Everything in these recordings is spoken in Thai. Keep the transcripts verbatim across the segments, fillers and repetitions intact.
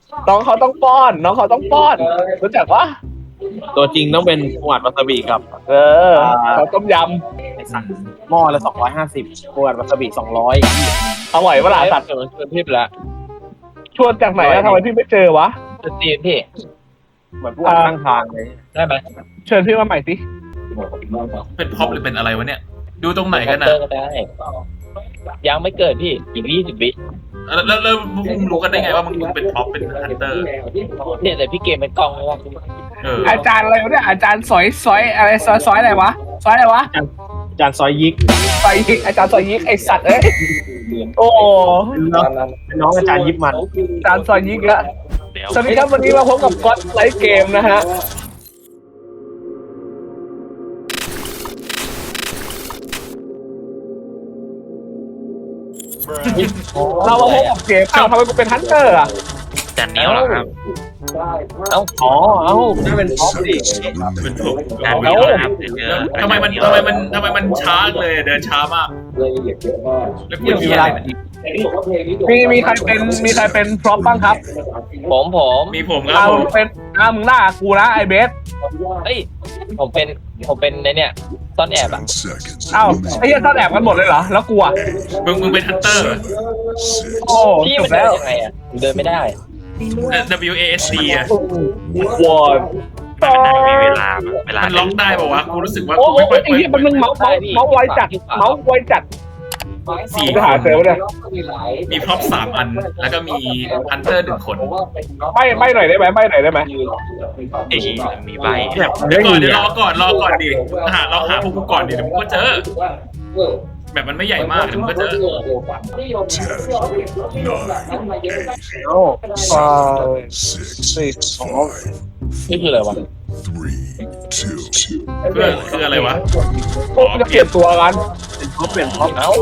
น้องเขาต้องป้อนน้องเขาต้องป้อนรู้จักปะตัวจริงต้องเป็นหวานวาซาบิครับเออเขาต้มยไอสัตว์หม้อละสองร้อยห้าสิบหวานวาซาบิสองร้อยำอร่อยเวลาสัตว์เชิญเชิญพี่ไปแล้วชวนจากไหนอะทำไมพี่ไม่เจอวะจะตีพี่เหมือนพวกข้างทางเลยได้ไหมเชิญพี่มาใหม่สิเป็นพ็อปหรือเป็นอะไรวะเนี่ย ดูตรงไหนกันนะเตอร์ก็ได้ยังไม่เกิดพี่อีกยี่สิบวิแล้วแล้วแล้วมึงรู้กันได้ไงว่ามึงมึงเป็นพ็อปเป็นฮันเตอร์เนี่ยแต่พี่เกมเป็นกล้องไม่ว่าเอออาจารย์อะไรวะเนี่ยอาจารย์สอยสอยอะไรซอยซอยอะไรวะซอยอะไรวะจานซอยยิกซอยยิกอาจารย์ซอยยิกไอสัตว์เอ้ยโอ้เป็นน้องอาจารย์ยิบมันอาจารย์ซอยยิกละสวัสดีครับวันนี้มาพบกับก็อดไลฟ์เกมนะฮะเรามาพบกับเกมอ้าวทำไมกูเป็นฮันเตอร์อ่ะจานนี้เหรอครับเอ้าอ๋อเอ้านั่นเป็นพ็อปดิเป็นพ็อปจานนี้เหรอครับเจอทำไมมันทำไมมันทำไมมันช้าเลยเดินช้ามากแล้วกูมีมีเวอะไรลามีมีใครเป็นมีใครเป็นพร็อพบ้างครับผมผมมีผมครัอ้าบวผมเป็นอ้าวมึงล่ากูนะไอเบสเอ้ยผมเป็นผมเป็นในเนี่ยซ่อนแอบอ่ะอ้าวไอ้เหี้ยซ่อนแอบกันหมดเลยเหรอแล้วกูอ่ะมึงมึงเป็นฮันเตอร์โอ้พี่จมับนเดิแล้นวยังไงอ่ะเดินไม่ได้ W A S D อ่ะวอนมีเวลาเวลามันล็อกได้ป่าวะกูรู้สึกว่าโอ้กูโหไม่ค่อยไอ้เหี้ยมันมึงเมาส์เมาส์เมาส์ไวจัดเมาส์ไวจัดสี่จะหาเจอปะเนี่ยมีพ็อปสามอัน แล้วก็มีฮันเตอร์หนึ่งคนไม่ไม่หน่อยได้ไหมไม่หน่อยได้ไหมเอ้ยมีใบเดี๋ยวก่อนเดี๋ยวรอก่อนรอก่อนดิหาเราหาพวกกูก่อนดิเดี๋ยวมึงก็เจอ แบบมันไม่ใหญ่มากเดี๋ยวมึงก็เจอโอ้ฟาสี่สองนี่คืออะไรวะเพื่อคืออะไรวะโอ้จะเปลี่ยนตัวกันพ็อปเปลี่ยนพ็อปเอ้า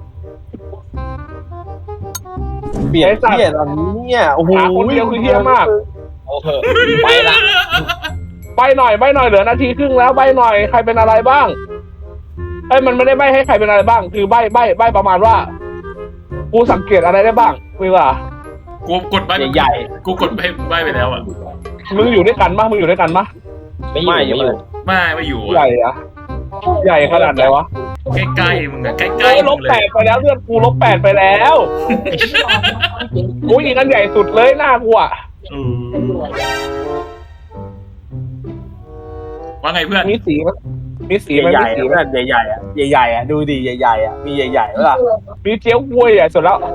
เปลี่ยนเปลี่ยนอันนี้เนี่ยโอ้โหหาคนเดียวคือเฮี้ยมากโอ้โหไปละใบหน่อยใบหน่อยเหลือนาทีครึ่งแล้วใบหน่อยใครเป็นอะไรบ้างเอ้ยมันไม่ได้ใบให้ใครเป็นอะไรบ้าง คือใบใบใบประมาณว่ากูสังเกตอะไรได้บ้างคุยว่ากูกดใบใหญ่กูกดใบใบไปแล้วอ่ะมึงอยู่ด้วยกันปะมึงอยู่ด้วยกันปะไม่อยู่ไม่อยู่ไม่ไม่อยู่ใหญ่อะใหญ่ขนาดไหนวะใกล้ๆมึงอะใกล้โอ้ยๆลมึบงเลแปยดไปแล้วเลือดกูลบแปดไปแล้วกูยิงกันใหญ่สุดเลยหน้ากูอะเออว่าไงเพื่อนมีสีมั้ยมีสีใหมั้ยญ่มีใหญ่สีๆมั้ยใหญ่ๆอ่ะใหญ่ๆอ่ะดูดิใหญ่ๆอ่ะมีใหญ่ๆแล้วล่ะมีเจี๊ยวกล้วยอ่ะสุดแล้ว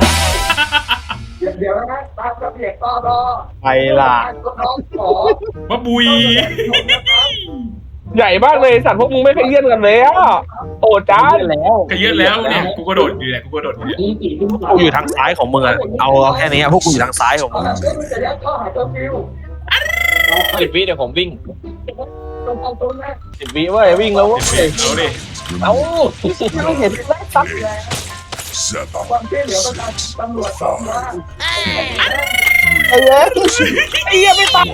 ไปล่ะว่าบุยใหญ่มากเลยสัตว์พวกมึงไม่เคยเยี่ยนกันเลยอ่ะโอ้จ้าแล้วก็เยอะแล้วเนี่ยกูกระโดดอยู่เนี่ยกูกระโดดอยู่เนี่ยกูอยู่ทางซ้ายของมึงอ่ะเอาเอาแค่นี้พวกกูอยู่ทางซ้ายของมึงสิบวิเดี๋ยวผมวิ่งสิบวิเว้ยวิ่งแล้วเว้ยเอาดิเอ้าไม่เห็นซับ ไอ้เย้ยไอ้เหี้ยไม่ตาย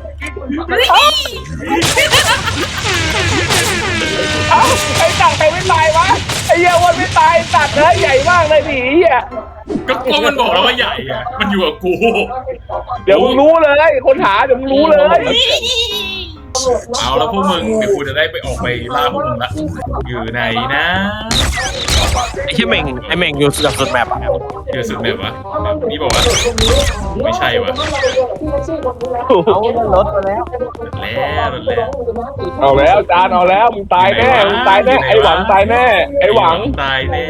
เอ้าไอ้สัตว์ใครไม่ตายวะไอ้เหี้ยวันไม่ตายสัตว์เนื้อใหญ่มากเลยดิเหี้ยก็ก็มันบอกแล้วว่าใหญ่อะมันอยู่กับกูเดี๋ยวมึงรู้เลยคนหาเดี๋ยวมึงรู้เลยเอาแล้วพวกมึงเดี๋ยวกูจะได้ไปออกไปล่าพวกมึงละอยู่ไหนนะไอ้เหี้ยเม่งไอ้เม่งอยู่สุดสุดแมปอ่ะอยู่สุดแบบวะนี่บอกว่าไม่ใช่วะเอารถมาแล้วแล้วแล้วเอาแล้วจานเอาแล้วมึงตายแน่มึงตายแน่ไอ้หวังตายแน่ไอ้หวังตายแน่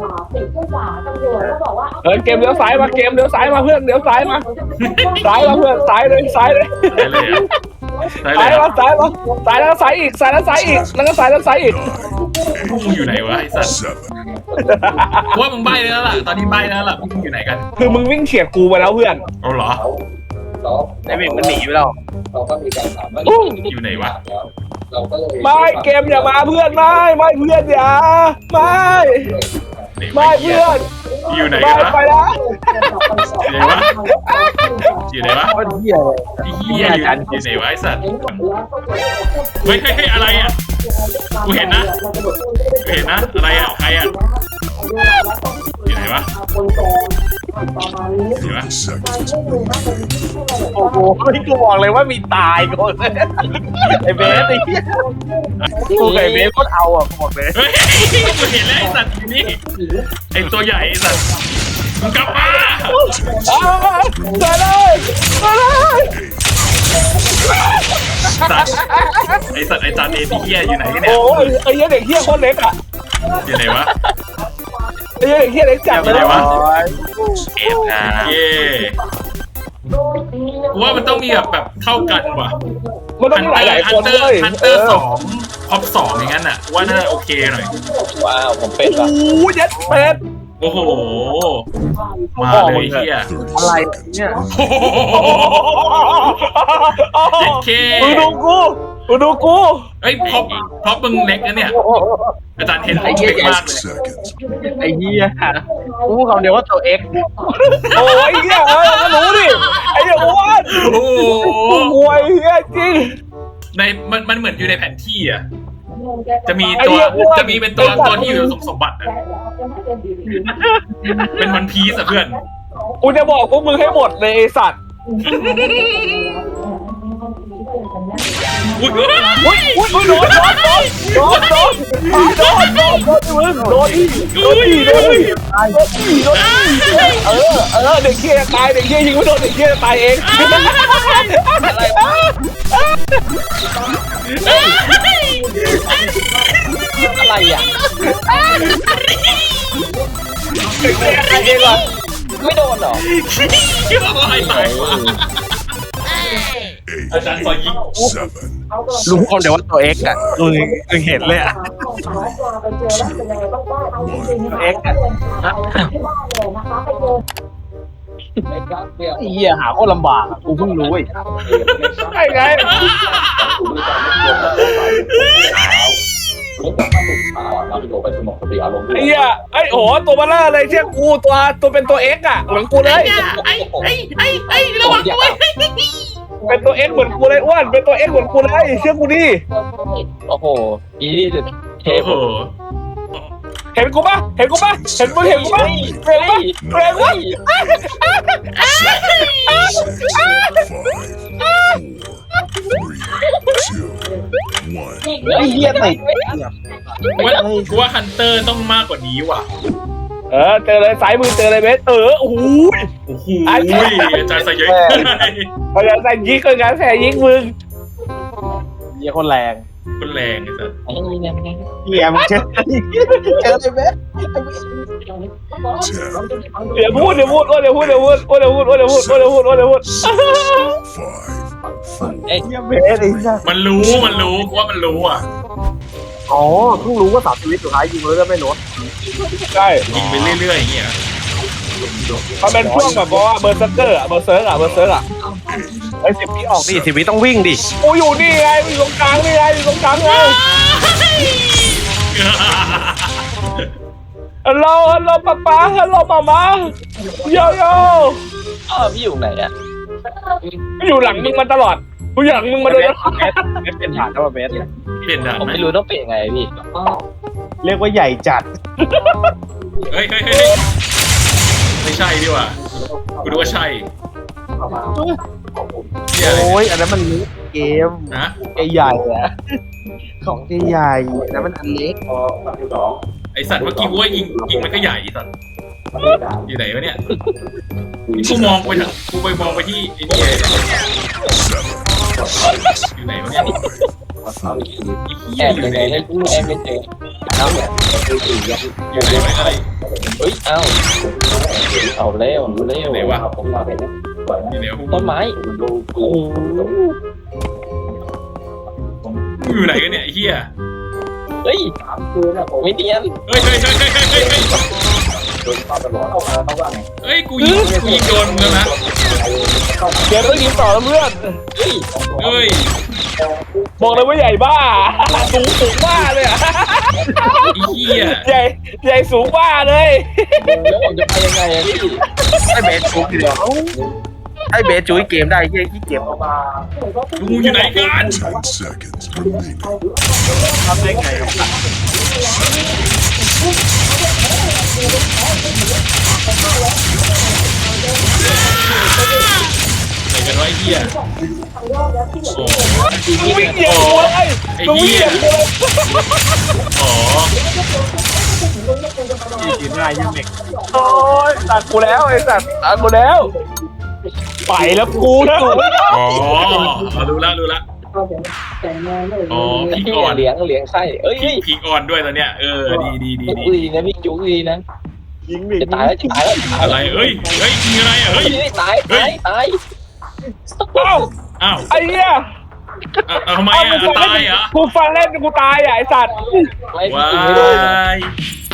เออเกมเลี้ยวซ้ายมาเกมเลี้ยวซ้ายมาเพื่อนเลี้ยวซ้ายมาซ้ายมาเพื่อนซ้ายเลยซ้ายเลยตายเลยอะตายเลซ้ายยมาอะซ้ายมาซ้ายแล้วซ้ายอีกซ้ายแล้วซ้ายอีกแล้วก็ซ้ายแล้วซ้ายอีกพวกมึงอยู่ไหนวะไอ้สัตว์ว่ามึงใบ้แล้วล่ะตอนนี้ใบ้แล้วล่ะพวกมึงอยู่ไหนกันคือมึงวิ่งเฉียดกูไปแล้วเพื่อนเอาเหรอไอ้เม่งมันหนีไปแล้วอยู่ไหนวะไม่เกมอย่ามาเพื่อนไม่ไม่เพื่อนอย่าไม่ ไม่เพื่อนอยู่ไหนไม่กันวะไปแล้วอยู่ไหนวะอยู่ไหนวะโคตรเหี้ยเลยไอ้เหี้ยอยู่อยู่ไหนวะไอ้สัตว์เฮ้ยเฮ้ยเฮ้ยอะไรอ่ะกูเห็นนะกูเห็นนะอะไรอ่ะใครอ่ะอยู่ไหนวะเห็นปะโอ้โหไม่กูบอกเลยว่ามีตายก่อนไอ้เบสไอ้เหี้ยกูกับไอ้เบสก็เอาอ่ะกูบอกเลยเฮ้ยกูเห็นแล้วไอ้สัตว์อยู่นี่ไอ้ตัวใหญ่ไอ้สัตว์มึงกลับมาอ้าวเจอเลยเจอเลยสัตว์ไอ้สัตว์ไอ้จานเอทีเฮียอยู่ไหนกันเนี่ยโอ้ยไอ้เหี้ยเด็กเหี้ยโคตรเล็กอ่ะอยู่ไหนวะไอ้เหี้ยเด็กเหี้ยเล็กจัดเลยไหนวะเอฟครับเย่กูว่ามันต้องมีแบบแบบเท่ากันว่ะมันต้องมีหลายๆฮัคนเตอด้วยร์ฮันเตอร์สองท็อปสองอย่างนั้นอ่ะว่าน่าโอเคหน่อยว้าวผมเป็นโอ้ว่ะยเย็ดเป็ดโอ้โหมาเลยเฮียอะไรเนี่ยโอ้โหเด็กเคมึงดูกูมึงดูกูเอ้ยพอพอมึงเล็กนะเนี่ยอาจารย์เห็นเล็กมากเลยไอ้เหี้ยกูพูดคำเดียวว่าตัวเอ็กโอ้ยเหี้ยเออก็รู้ดิไอ้เหี้ยอ้วนโอ้โหโอ้ยเหี้ยจริงในมันมันเหมือนอยู่ในแผนที่อ่ะจะมีตัวจะมีเป็นตัวตัวที่อยู่สมสมบัติอะเป็นวันพีซอะเพื่อนกูจะบอกพวกมึงให้หมดเลยไอ้สัตว์อุ้ยอุ้ยอุ้ยอุ้ยโดนโดนโดนโดนโดนโดนโดนโดนโดนอีโดนอีโดนอีโดนอีโดนอีเออเออเด็กเคี้ยตายเด็กเคี้ยยิงไม่โดนเด็กเคี้ยตายเองอะไรอะไรอ่ะเด็กเคี้ยตายเองเหรอไม่โดนเหรอคิดว่าอะไรตายกว่าอาจารย์ซอยยิงรู้คำเดียวว่าตัวเอ็กอ่ะมึงมึงเห็นเลยอ่ะเอ็กอ่ะไอ้เหี้ยหาโคตรลำบากอ่ะกูเพิ่งรู้ไอ้ใช่ไงไอ้เหี้ยไอ้โอ้ตัวเบลอเลยเชื่อกูตัวตัวเป็นตัวเอ็กอะเหมือนกูเลยไอ้ไอ้ไอ้ไอ้ระวังด้วยเป็นตัวเอ็กเหมือนกูเลยอ้วนเป็นตัวเอ็กเหมือนกูเลยเชื่อกูดิโอ้โหอีนี่สุดเทโอ้พโหเห็นกูปะเห็นกูปะเห็นมึงเห็นกูปะเห็นปะเห็นปะไอ้เหี้ยติดว่ากูว่าฮันเตอร์ต้องมากกว่านี้ว่ะเออเจอเลยสายมือเจอเลยเบสเออโอ้โหโอ้โหอาจารย์ใส่เยอะเขาจะใส่ยิงก็งานแส่ยิงมึงเหี้ยคนแรงคนแรงไอ้สัสไอ้นี่เนี่ยเหี้ยมึงเจอเจอเลยเบสเดี๋ยวพูดเดี๋ยวพูดโอ้เดี๋ยวพูดเดี๋ยวพูดโอ้เดี๋ยวพูดโอ้เดี๋ยวพูดโอ้เดี๋ยวพูดโอ้เดี๋ยวพูดไอ้เหี้ยเบสไอ้สัสมันรู้มันรู้กูว่ามันรู้อ่ะอ๋อเพิ่งรู้ว่าสามชีวิตสุดท้ายยิงแล้วก็ไม่ลดใช่ยิงไปเรื่อยๆอย่างเงี้ยมันเป็นช่วงแบบว่าเบอร์เซอร์เกอร์อะเบอร์เซอร์อะเบอร์เซอร์อะไอ้สิบวิออกดิสิบวิต้องวิ่งดิกูอยู่นี่ไงอยู่ตรงกลางนี่ไงอยู่ตรงกลางไงฮัลโหลฮัลโหลป๊าป๊าฮัลโหลมาม่าโยโย่อ้าวพี่อยู่ไหนอ่ะกูอยู่หลังมึงมาตลอดกูอยู่หลังมึงมาโดยตลอดเบสเบสเป็นฐานแล้วเบสเปลี่ยนด่านผมไหมไม่รู้ต้องเปลี่ยนไงพี่เรียกว่าใหญ่จัดเฮ้ยเฮ้ยเฮ้ยไม่ใช่ดีกว่ากูดูว่าใช่เฮียอะไรโอ้ยอันนั้นมันเกมนะใหญ่ๆอะของใหญ่ๆอันนั้นมันอันเล็กไอสัตว์เมื่อกี้กูว่ายิงยิงมันก็ใหญ่ไอ้สัตว์อยู่ไหนวะเนี่ยกูมองไปทางกูไปมองไปที่ไอ้นี่อยู่ไหนวะเนี่ยแอบยังไงให้กูแอบไม่เจอเอ้าอยู่ไหนวะอะไรเฮ้ยเอ้าเอาเร็วเร็วไหนวะอยู่ไหนวะต้นไม้โอ้โหกูอยู่ไหนกันเนี่ยไอ้เหี้ยเฮ้ยไม่เนียนเฮ้ยเฮ้ยเฮ้ยเฮ้ยเฮ้ยเฮ้ยเฮ้ยกูยิงกูยิงโดนมึงแล้วนะเดี๋ยวต้องยิงต่อแล้วเพื่อนเฮ้ยเฮ้ยบอกเลยว่าใหญ่บ้าสูงสูงบ้าเลยอะไอ้เหี้ยใหญ่ใหญ่สูงบ้าเลยแล้วผมจะไปยังไงอะพี่ให้เบสจุ๊บเดียวให้เบสจุ๊บเกมได้ที่ที่เกมลุงอยู่ไหนกันทำได้ไงครับไหนกันวะไอ้เหี้ยโอ้มึงวิ่งเหยียบกูเลยมึงวิ่งเหยียบกูเลยอ๋อยืนได้ยืนเด็กโอ้ยตัดกูแล้วไอ้สัตว์ตัดกูแล้วไปแล้วกูนะอ๋อรู้ละรู้ละอ๋อพี่ก่อนเหลียงเหลียงไส้เอ้ยพี่พี่อ่อนด้วยตอนเนี้ยเออดีดีดีจุกดีดีนะพี่จุกดีนะยิงดิจะตายแล้วจะตายแล้วตายอะไรเอ้ยเฮ้ยยิงอะไรอ่ะเฮ้เฮ้ยยตายตายตายเอ้าอ้าวไอ้เหี้ยอ่ะทำไมอ่ะตายเหรอกูฟังเล่นกูตายอ่ะไอ้สัตว์ไม่ว้าไม่โดนย